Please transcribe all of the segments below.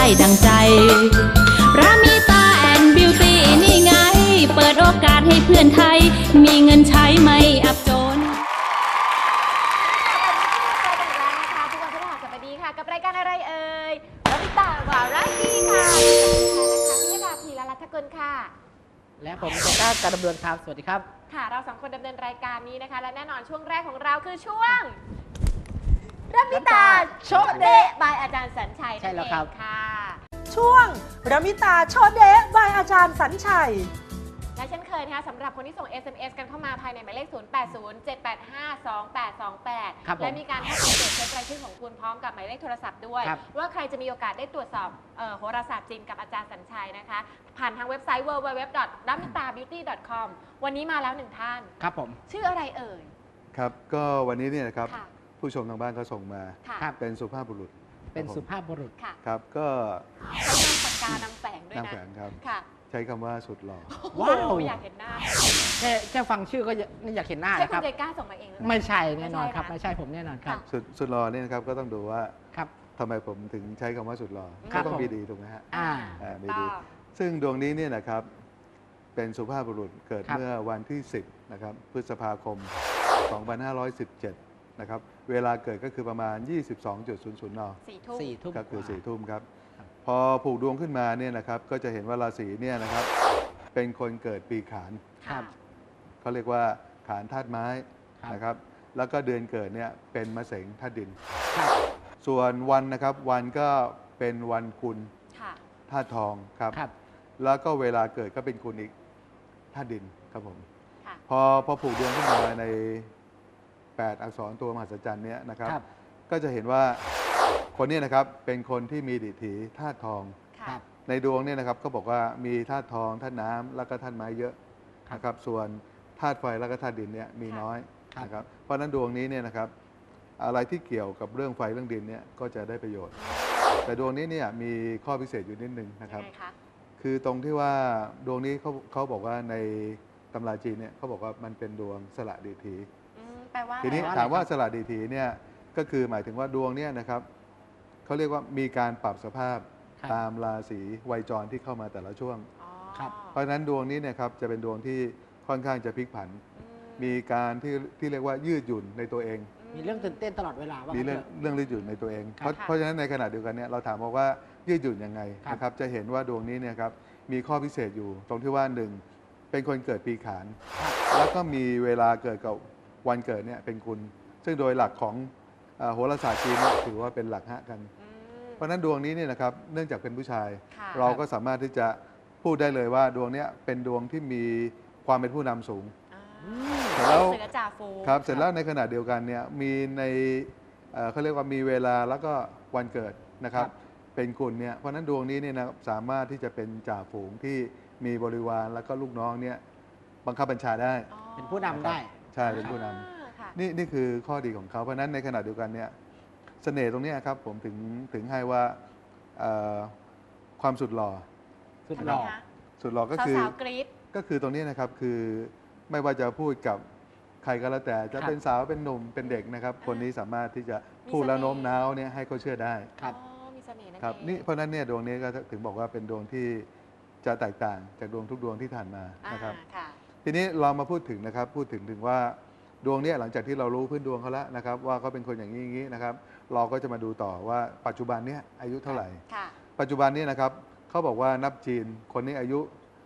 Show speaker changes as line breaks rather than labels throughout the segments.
ดังใจรามิตาแอนด์บิวตี้นี่ไงเปิดโอกาสให้เพื่อนไทยมีเงินใช้ไม่อับจน
ทุกวันพฤหัสบดีค่ะกับรายการอะไรเอ่ยรามิตาวาราชีค่ะกับดิฉันนะคะพิยดาพีรัตน์กุลค่ะ
และผมเจก้าการดำเนินครับสวัสดีครับ
ค่ะเราสองคนดำเนินรายการนี้นะคะและแน่นอนช่วงแรกของเราคือช่วงรามิตาโชเดะบายอาจารย์สัญชัย
ใช่แล้วครับ
ค่ะ
ช่วงรามิตาโชเดะบายอาจารย์สัญชัย
และเช่นเคยนะคะสำหรับคนที่ส่ง SMS กันเข้ามาภายในหมายเลข 0807852828 และมีการให้อัปเดตเช็ครายชื่อของคุณพร้อมกับหมายเลขโทรศัพท์ด้วย ว่าใครจะมีโอกาสได้ตรวจสอบโหราศาสตร์จีนกับอาจารย์สัญชัยนะคะ ผ่านทางเว็บไซต์ www.ramitabeauty.com วันนี้มาแล้วหนึ่งท่าน
ครับผม
ชื่ออะไรเอ่ย
ครับก็วันนี้เนี่ยนะครับ
ค่ะ
ผู้ชมทางบ้านเขาส่งมา
ค่ะ
เป็นสุภาพบุรุษ
เป็นสุภาพบุรุษ
ค่ะ
ครับก็
ใช้นามปากกานำแฝงด้วย
นาง
นะ
แฝงครับ
ค่ะ
ใช้คำว่าสุดหล่อ
ว้าว
อยากเห็นหน้า
แค่ฟังชื่อก็อยากเห็นหน้า
ใช่
นะ
คุ
ครั
ณ
บ
เจก้าส่งมาเองหรือเปล่า
ไม่ใช่แน่นอนครับ
ไม่
ไม่
ใช่
ใช่ผมแน่นอนครับ
ค่ะ
สุดหล่อเนี่ยนะครับก็ต้องดูว่า
ครับ
ทำไมผมถึงใช้คำว่าสุดหล่อ
ครั
ก็
บ
ต้อง
ผม
มีดีถูกไหมฮะ
อ่า
มีดี ซึ่งดวงนี้เนี่ยนะครับเป็นสุภาพบุรุษเกิด
ครับ
เมื่อวันที่ 10นะครับพฤษภาคม 2517นะครับเวลาเกิดก็คือประมาณ 22.00 น.
4 ทุ่ม
4 ทุ่ม
ก็คือ
กว่า
4 ทุ่มครับ
ครับ
พอผูกดวงขึ้นมาเนี่ยนะครับก็จะเห็นว่าราศีเนี่ยนะครับเป็นคนเกิดปีขาน
ครับ
เขาเรียกว่าขานธาตุไม้
ครับ
นะครับแล้วก็เดือนเกิดเนี่ยเป็นมะเสงธาตุดิน
ครับ
ส่วนวันนะครับวันก็เป็นวันคุณ
ค่ะ
ธาตุทองครับ
ครับ
แล้วก็เวลาเกิดก็เป็นคุณอีกธาตุดินครับผม
ค่ะ
พอผูกดวงขึ้นมาใน 8 อักษรตัวมหัศจรรย์เนี่ยนะครับ
ครับ
ก็จะเห็นว่าคนเนี้นะครับเป็นคนที่มีดิถีธาตุทอง
ครั
ค่ะ
บ
ในดวงเนี่ยนะครับก็บอกว่ามีธาตุทองธาตุน้ำแล้วก็ธาตุไม้เยอะ
ครับ
นะครับส่วนธาตุไฟแล้วก็ธาตุดินเนี่ยมีน้อย
ครับ
นะครับเพราะฉะนั้นดวงนี้เนี่ยนะครับอะไรที่เกี่ยวกับเรื่องไฟเรื่องดินเนี่ยก็จะได้ประโยชน์ แต่ดวงนี้เนี่ยมีข้อพิเศษอยู่นิดนึงนะครับ
ยังไงคะ
คือตรงที่ว่าดวงนี้เขาบอกว่าในตำราจีนเนี่ยเขาบอกว่ามันเป็นดวงสละดิถี
แปลว่า
ทีนี้
อะไร
ถามว่าสละดิถีเนี่ยก็คือหมายถึงว่าดวงเนี่ยนะครับเขาเรียกว่ามีการปรับสภาพ
ครับ
ตามราศีไวยจรที่เข้ามาแต่ละช่วง
อ๋อ
ครับ
เพราะฉะนั้นดวงนี้เนี่ยครับจะเป็นดวงที่ค่อนข้างจะพลิกผัน
อื
มีการที่เรียกว่ายืดหยุ่นในตัวเอง
มีเรื่องตื่นเต้นตลอดเวลาว่า
มี
งั้น
เรื่อง
เถอะ
ยืดหยุ่นในตัวเอง
ครับ
เพราะฉะนั้นในขณะเดียวกันเนี่ยเราถามว่ายืดหยุ่นยังไง
ครับ
นะครับจะเห็นว่าดวงนี้เนี่ยครับมีข้อพิเศษอยู่ ตรงที่ว่าหนึ่งเป็นคนเกิดปีขาน
ครับ
แล้วก็มีเวลาเกิดกับวันเกิดเนี่ยเป็นคุณ ซึ่งโดยหลักของโหราศาสตร์จีนเนี่ยถือว่าเป็นหลักฮะกัน
อืม
เพราะฉะนั้นดวงนี้เนี่ยนะครับเนื่องจากเป็นผู้ชาย
ค่ะ
เราก็สามารถที่จะพูดได้เลยว่าดวงเนี้ยเป็นดวงที่มีความเป็นผู้นำสูง เสร็จแล้ว
เสือจ่าฟูง
ครับเสร็จแล้วในขณะเดียวกันเนี่ยมีในเขาเรียกว่ามีเวลาแล้วก็วันเกิดนะครับ
ครับ
เป็นกุลเนี่ยเพราะฉะนั้นดวงนี้เนี่ยนะสามารถที่จะเป็นจ่าฝูงที่มีบริวารแล้วก็ลูกน้องเนี่ยบังคับบัญชาได้
อ๋อ
เป็นผู้นำได้
ใช่เป็นผู้นำ
อ่าค่ะ
นี่คือข้อดีของเขาเพราะฉะนั้นในขณะเดียวกันเนี่ยเสน่ห์ตรงเนี้ยครับผมถึงให้ว่าเอ่อความสุดหล่อ
สุด
ทำ
ห
ไม
ล่อ
คะ
สุดหล่อก็คือ
สาวๆกรี๊ด
ก็คือตรงนี้นะครับคือไม่ว่าจะพูดกับใครก็แล้วแต่จะ
ครับ
เป็นสาวเป็นหนุ่มเป็นเด็กนะครับ คนนี้สามารถที่จะพูด
มีเสน่ห์
แล้วโน้มน้าวเนี่ยให้เขาเชื่อได้
ครับ
อ๋อมีเสน่ห์นั่น
ครับ
เอง
นี่เพราะฉะนั้นเนี่ยดวงนี้ก็ถึงบอกว่าเป็นดวงที่จะแตกต่างจากดวงทุกดวงที่ผ่านมา
อ่า
นะครับ
ค่ะ
ทีนี้เรามาพูดถึงนะครับพูดถึงว่าดวงเนี้หลังจากที่เรารู้พื้นดวงเขาแล้วนะครับว่าเขาเป็นคนอย่างนี้อย่างนี้นะครับ เราก็จะมาดูต่อว่าปัจจุบันเนี้อายุเท่าไหร่
ค่ะ
ปัจจุบันนี้นะครับเขาบอกว่านับจีนคนนี้อายุ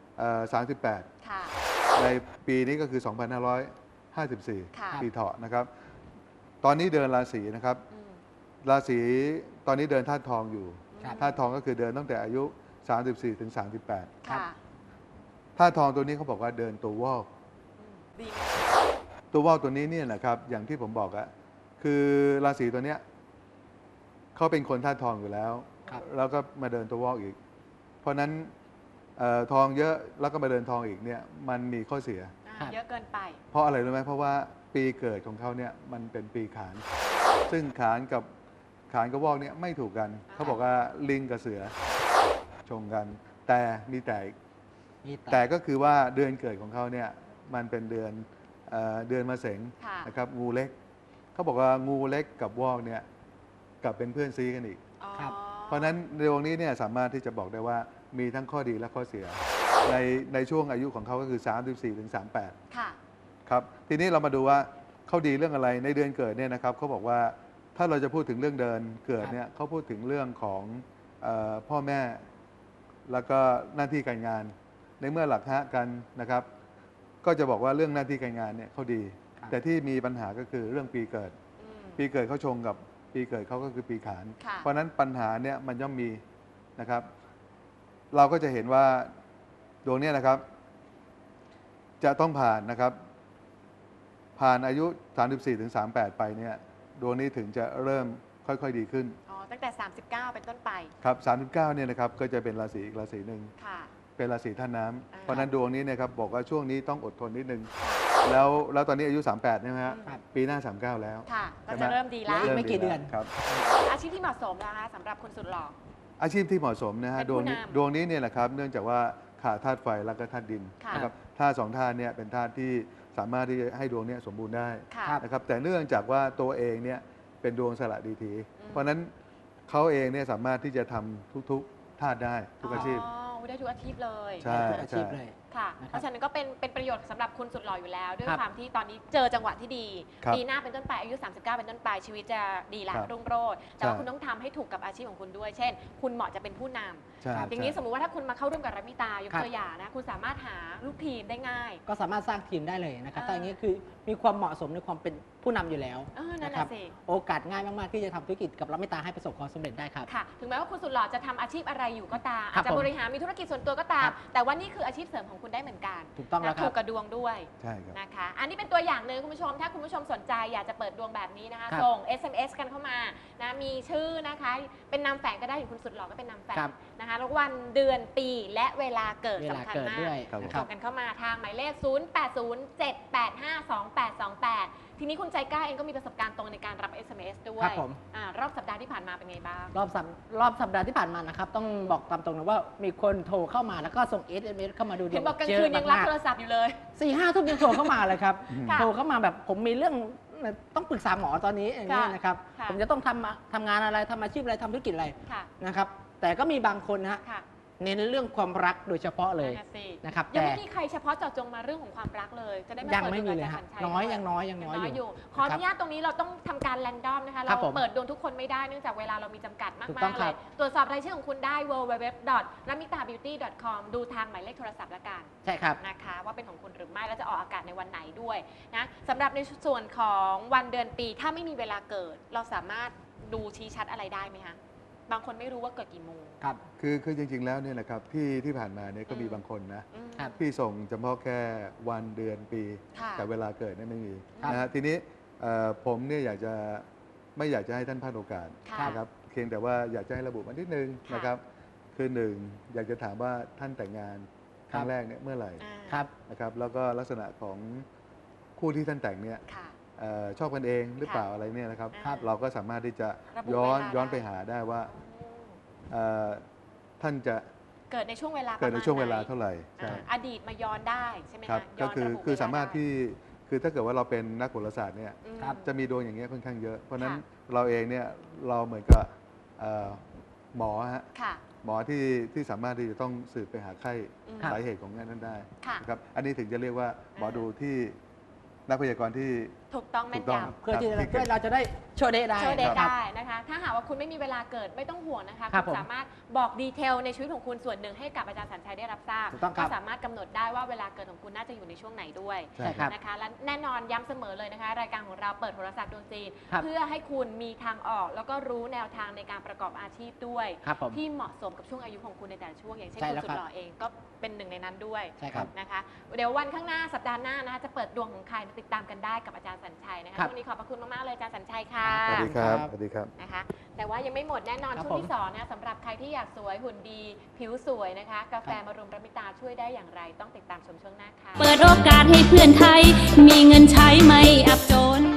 38
ค่ะ
ในปีนี้ก็คือ
ค่ะ
2554 ปีเถาะนะครับ ตอนนี้เดินราศีนะครับ
อืม
ราศีตอนนี้เดินธาตุทองอยู่
ครับ
ธาตุทองก็คือเดินตั้งแต่อายุ 34 ถึง 38
ค่ะ
ธาตุทองตัวนี้เขาบอกว่าเดินตัววอก
อืมดีไหม
ตัววอกตัวนี้เนี่ยนะครับ อย่างที่ผมบอกอะคือราศีตัวเนี้ยเขาเป็นคนธาตุทองอยู่แล้ว
ครับ
แล้วก็มาเดินตัววอกอีก เพราะฉะนั้นทองเยอะแล้วก็มาเดินทองอีกเนี่ยมันมีข้อเสีย
อ่าเยอะเกินไป
เพราะอะไรรู้ไหมเพราะว่าปีเกิดของเขาเนี่ยมันเป็นปีขาน ซึ่งขานกับวอกเนี่ยไม่ถูกกัน เขาบอกว่าลิงกับเสือชงกัน แต่มีแต่อีก
มี
แต่ก็คือว่าเดือนเกิดของเขาเนี่ยมันเป็นเดือนมะเสง
ค่ะ
นะครับงูเล็กเขาบอกว่างูเล็กกับวอกเนี่ยกลับเป็นเพื่อนซีกันอีก
อ๋อ
ครับ
เพราะฉะนั้นในดวงนี้เนี่ยสามารถที่จะบอกได้ว่ามีทั้งข้อดีและข้อเสียในช่วงอายุของเขาก็คือ 34 ถึง 38
ค่ะ
ครับทีนี้เรามาดูว่าเขาดีเรื่องอะไรในเดือนเกิดเนี่ยนะครับเขาบอกว่าถ้าเราจะพูดถึงเรื่องเดินเกิดเนี่ยเขาพูดถึงเรื่องของพ่อแม่แล้วก็หน้าที่การงาน ในเมื่อหลักฮะกันนะครับ ก็จะบอกว่าเรื่องหน้าที่การงานเนี่ยเขาดี แต่ที่มีปัญหาก็คือเรื่องปีเกิด ปีเกิดเขาชงกับปีเกิดเขาก็คือปีขาน
ค่ะ
เพราะฉะนั้นปัญหาเนี่ยมันย่อมมีนะครับ เราก็จะเห็นว่าดวงเนี้นะครับ จะต้องผ่านนะครับ ผ่านอายุ 34 ถึง 38 ไปเนี่ยดวงนี้ถึงจะเริ่มค่อยๆดีขึ้น
อ๋อ ตั้งแต่ 39 เป็นต้นไป
ครับ 39 เนี่ยนะครับก็จะเป็นราศีอีกราศีหนึ่ง
ค่ะ
เป็นราศีธาตุน้ำ
อ่า
เพราะฉะนั้นดวงนี้เนี่ยครับบอกว่าช่วงนี้ต้องอดทนนิดนึง แล้วตอนนี้อายุ 38ใช่ไหมฮะ
ครับ
ปีหน้า 39 แล้ว
ค่ะ ก็
ใช่ไห
จะเริ่มดีแล้ว
อีกไม่กี่เดือน
ครับ
อาชีพที่เหมาะสมนะคะสำหรับคุณสุดหล่อ
อาชีพที่เหมาะสมนะฮะ
เป็น
ด
ผู้
วงนี้
นำ
ดวงนี้เนี่ยแหละครับเนื่องจากว่าขาดธาตุไฟแล้วก็ธาตุดิน
ค่ะ
นะครับธาตุสองธาตุเนี่ยเป็นธาตุที่สามารถที่จะให้ดวงเนี้สมบูรณ์ได้
ค่ะ
นะครับแต่เนื่องจากว่าตัวเองเนี่ยเป็นดวงสละดีที เพราะฉะนั้นเขาเองเนี่ยสามารถที่จะทำทุกๆธาตุได้ทุกอาชีพ
อ๋อได้ทุกอาชีพเลย
ใช่
อาชีพเลย
ค่ะ
นะครับ
เพราะฉะนั้นก็เป็นประโยชน์สำหรับคุณสุดหล่ออยู่แล้ว ด้วย
ครับ
ความที่ตอนนี้เจอจังหวะที่ดี
ครับ
ปีหน้าเป็นต้นไปอายุ 39 เป็นต้นไปชีวิตจะดีละ
ครับ
รุ่งโรจน์แต่ว่า
ใช่
คุณต้องทำให้ถูกกับอาชีพของคุณด้วย เช่น คุณเหมาะจะเป็นผู้นำ
ใช่
อย่างนี้
ใช่
สมมุติว่าถ้าคุณมาเข้าร่วมกับรัมิตายก
ครับ
ตัวอย่างนะคุณสามารถหาลูกทีมได้ง่าย
ก็สามารถสร้างทีมได้เลยนะครับ
อ่า
ถ้าอย่างนี้คือมีความเหมาะสมในความเป็นผู้นำอยู่แล้ว
นั่น
นะครั
น่ะสิ
โอกาสง่ายมากๆที่จะทำธุรกิจกับรับไม่ตาให้ประสบความสำเร็จได้ครับ
ค่ะ ถึงแม้ว่าคุณสุดหล่อจะทำอาชีพอะไรอยู่ก็ตาม
ครั
อา
บ
จจะ
ผม
บริหารมีธุรกิจส่วนตัวก็ตาม
ครับ
แต่ว่านี่คืออาชีพเสริมของคุณได้เหมือนกัน
ถูกต้องแล้ว
นะ
ครับ
ถูกกระดวงด้วย
ใช่ครับ
นะคะ อันนี้เป็นตัวอย่างหนึ่งคุณผู้ชม ถ้าคุณผู้ชมสนใจอยากจะเปิดดวงแบบนี้นะคะ
ครับ
ส่ง SMS กันเข้ามานะมีชื่อนะคะ เป็นนามแฝงก็ได้อย่างคุณสุดหล่อก็เป็นนามแฝง
ครับ
นะคะแล้ววันเดือนปีและเวลาเกิด
เวลา
สำคัญ
เกิด
มาก
ด้วย
ครับ
นะค
ส่
รับ
งกันเข้ามาทางหมายเลข 0807852828 ทีนี้คุณใจกล้าเองก็มีประสบการณ์ตรงในการรับ SMS ด้วย
ครับผม
รอบสัปดาห์ที่ผ่านมาเป็นไงบ้าง
รอบสัปดาห์ที่ผ่านมานะครับ ต้องบอกตามตรงนะว่ามีคนโทรเข้ามาแล้วก็ส่ง SMS เข้ามาดูดวง
เห็นบอกกลางคืนยังรับโทรศัพท์อยู่เลย
4-5 ทุ่มยังโทรเข้ามาเลยครับ
ค่ะ
โทรเข้ามาแบบผมมีเรื่องต้องปรึกษาหมอตอนนี้อย่างนี้ยนะครับ
ค่ะ
ผมจะต้องทำงานอะไรทำอาชีพอะไรทำธุรกิจอะไร
ค่ะ
นะครับ แต่ก็มีบางคนนะฮะ
ค่ะ
เน้นเรื่องความรักโดยเฉพาะเลย
นั่นน่ะสิ
นะครับ
ยัง
แต่
ไม่มีใครเฉพาะเจาะจงมาเรื่องของความรักเลย จะได้มา
ยัง
เปิด
ไม่
ด
มี
วง
เลย
อาจาร
ฮะ
ย์สัญชัย
น้อย
ด้ว
ยังน้อยยังน้อย
อยู่
อยู่
ขออนุญาตตรงนี้เราต้องทำการแรนดอมนะคะ
ครั
เรา
บผม
เปิดดวงทุกคนไม่ได้เนื่องจากเวลาเรามีจำกัดมา
ถูก
ก
ต้อง
ๆ
ค
เล
รั
ย
บ
ตรวจสอบรายชื่อของคุณได้ www.ramitabeauty.com ดูทางหมายเลขโทรศัพท์ละกัน
ใช่ครับ
นะคะว่าเป็นของคุณหรือไม่แล้วจะออกอากาศในวันไหนด้วยนะสำหรับในส่วนของวันเดือนปีถ้าไม่มีเวลาเกิด เราสามารถดูชี้ชัดอะไรได้ไหมคะบางคนไม่รู้ว่าเกิดกี่โมง
ครับ
คือจริงๆแล้วเนี่ยนะครับที่ผ่านมาเนี่ยก็มีบางคนนะ
อืม
ครับ
ที่ส่งเฉพาะแค่วันเดือนปี
ค่ะ
แต่เวลาเกิดเนี่ยไม่มี
ครับ
นะฮะทีนี้ผมเนี่ยไม่อยากจะให้ท่านพลาดโอกาส
ค่ะ
นะครับเพียงแต่ว่าอยากจะให้ระบุมานิดนึง
ค่ะ
นะครับคือหนึ่งอยากจะถามว่าท่านแต่งงานครั้งแรกเนี่ยเมื่อไหร่
อ่า
ครับ
นะครับแล้วก็ลักษณะของคู่ที่ท่านแต่งเนี่ย
ค่ะ
ชอบกันเองหรือเปล่า
ค่ะ
อะไรเนี่ยนะครับ
ครับ
เราก็สามารถที่จะ
ระบุ
ย้อน
เวลา
ย้อน
ได้
ไปหาได้ว่า
อืม
ท่านจะ
เกิดในช่วงเวลา
เกิดในช่วงเวลา
ประมณไหน
เท่าไหร่ใช่
อดีตมาย้อนได้ใช่ไหม
ครั
คะ
บ
ย้
ก็
น
คือ
ระบุ
คือ
เวล
สามารถ
ได้
ที่คือถ้าเกิดว่าเราเป็นนักโหราศาสตร์เนี่ย
อืม
ครับ
จะมีดวงอย่างเงี้ยค่อนข้างเยอะ เพราะฉะนั้น
ค่ะ
เราเองเนี่ยเราเหมือนกับหมอฮะ
ค่ะ
หมอที่สามารถที่จะต้องสืบไปหาไข้
อืม
สาเหตุของงานนั้นได้
ค่ะ
นะครับอันนี้ถึงจะเรียกว่าหมอดูที่นักพยากรณ์ที่
ถูกต้องแม่
ถู
น
กต้อง
ยำ
เพื่อที่
ครับ
เพื่อเราจะได้โชว์เดย์ได้
โชว์เดท
ครับ
ได้นะคะ ถ้าหากว่าคุณไม่มีเวลาเกิดไม่ต้องห่วงนะคะ
ครับ
คุณ
ผม
สามารถบอกดีเทลในชีวิตของคุณส่วนหนึ่งให้กับอาจารย์สัญชัยได้รับทราบ
ถูกต้องครับ
ก็สามารถกำหนดได้ว่าเวลาเกิดของคุณน่าจะอยู่ในช่วงไหนด้วย
ใช่ครับ
นะคะและแน่นอนย้ำเสมอเลยนะคะ รายการของเราเปิดโทรศัพท์ดวงจีน
ครับ
เพื่อให้คุณมีทางออก แล้วก็รู้แนวทางในการประกอบอาชีพด้วย
ครับผม
ที่เหมาะสมกับช่วงอายุของคุณในแต่ละช่วงอย่างเช่น
ใช่
คุณ
แล้ว
สุ
ครั
ด
บ
หล่อเองก็เป็นหนึ่งในนั้นด้วย
ใช่ครับ
นะคะเดี๋ยววันข้างหน้าสัปดาห์หน้านะคะจะเปิดดวงของใครติดตามกันได้กับอาจารย์สัญชัยนะคะ
ครับ
ช่วงนี้ขอบพระคุณมากๆเลยอาจารย์สัญชัยค่ะ
สวัสดีครับ
ครับ
สวัสดีครับ
นะคะแต่ว่ายังไม่หมดแน่นอน
ครับ
ช่วง
ผม
ที่2นะสำหรับใครที่อยากสวยหุ่นดี ผิวสวยนะคะ กาแฟมารุมระมิตาช่วยได้อย่างไรต้องติดตามชมช่วงหน้าค่ะ
เปิดโอกาสให้เพื่อนไทย มีเงินใช้ไม่อับจน